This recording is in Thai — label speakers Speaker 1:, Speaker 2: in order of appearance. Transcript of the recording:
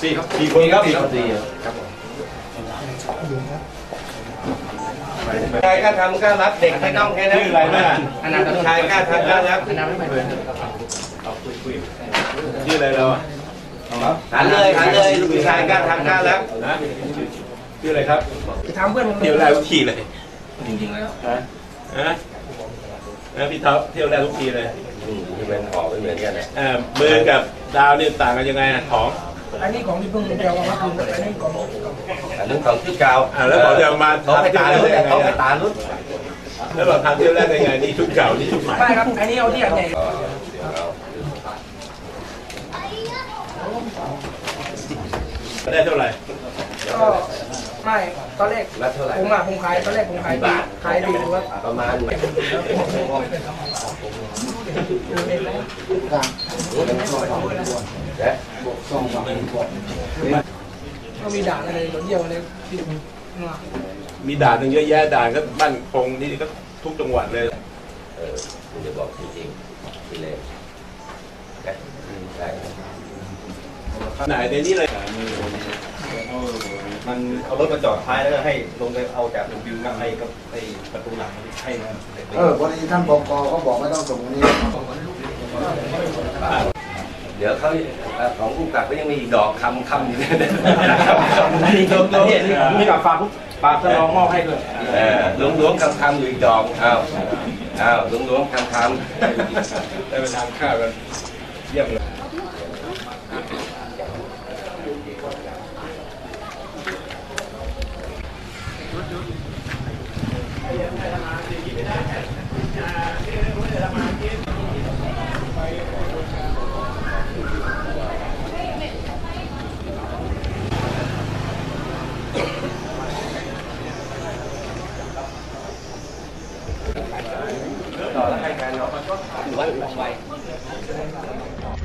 Speaker 1: 4 คนครับ4
Speaker 2: ครับผม
Speaker 3: ชายกล้าทำกล้ารับเด็กไม่ต้องแค่นั้น
Speaker 1: ชื่ออะไรนะ
Speaker 3: ชายกล้าทำกล้ารับ
Speaker 1: ชื่ออะไรเรา
Speaker 3: หันเลยลูกชายกล้าทำกล้ารับ
Speaker 1: นะชื่ออะไรครับ
Speaker 2: จะทำเพื่อนผม
Speaker 1: เที่ยวแรกทุกทีเลย
Speaker 2: จริงๆแล้ว
Speaker 1: นะพี่ท็อปเที่ยวแรกทุกทีเลย
Speaker 3: ที่เป็นออกไม่เหมือนกันเลย
Speaker 1: มือกับดาวนี่ต่างกันยังไงของ
Speaker 2: อันนี้ของที่เพิ่งเดียวมาคืออันนี้ของ
Speaker 3: อันนั้นของชุดเก่า
Speaker 1: แล้วบอกจะมา
Speaker 3: เขาไป
Speaker 1: ทำ
Speaker 3: ตา
Speaker 1: เที่ยว
Speaker 3: ลุ้น
Speaker 1: แรกยังไง
Speaker 3: เขาไปตาลุ้น
Speaker 1: แล้วบอกทำเที่ยวแรกยังไงนี่ชุดเก่านี่ชุดใหม่
Speaker 2: ไม่ครับอันนี้เอาที่อันใหญ่
Speaker 1: ได้เท่าไหร่
Speaker 2: ก็ไม่ตอนแรก
Speaker 3: รับเท่าไหร่
Speaker 2: ผมขายตอนแรกผมขายดีว่า
Speaker 3: ประมาณและ
Speaker 2: ก็มีด่านอะไรรถเยี่ยวอะไรที่มา
Speaker 1: มีด่านหนึ่งเยอะแยะด่านก็บ้านคงนี่ก็ทุกจังหวัดเลย
Speaker 3: คุณจะบอกจริงๆที่เลยได้
Speaker 1: ไหนในนี้เลย
Speaker 4: มันเอารถมาจอดท้ายแล้วก็ให้ลงไปเอาจากวิวกับไอ้ประตูหลังให้นะ
Speaker 5: พอดีท่านปกเขาบอกไม่ต้องส่งตรงนี้
Speaker 3: เดี๋ยวเขาของผู้กับก็ยังมีอีกดอกคำอยู่เนี่ย
Speaker 4: นี่กับฝากท่านรองมอบให้ด้วย
Speaker 3: ล้วงคำอยู่อีกดอกอ้าวล้วงคำ
Speaker 1: ได้ไปทานข้าวกันเยี่ยมเลย
Speaker 3: ต่อแล้วให้การเนาะ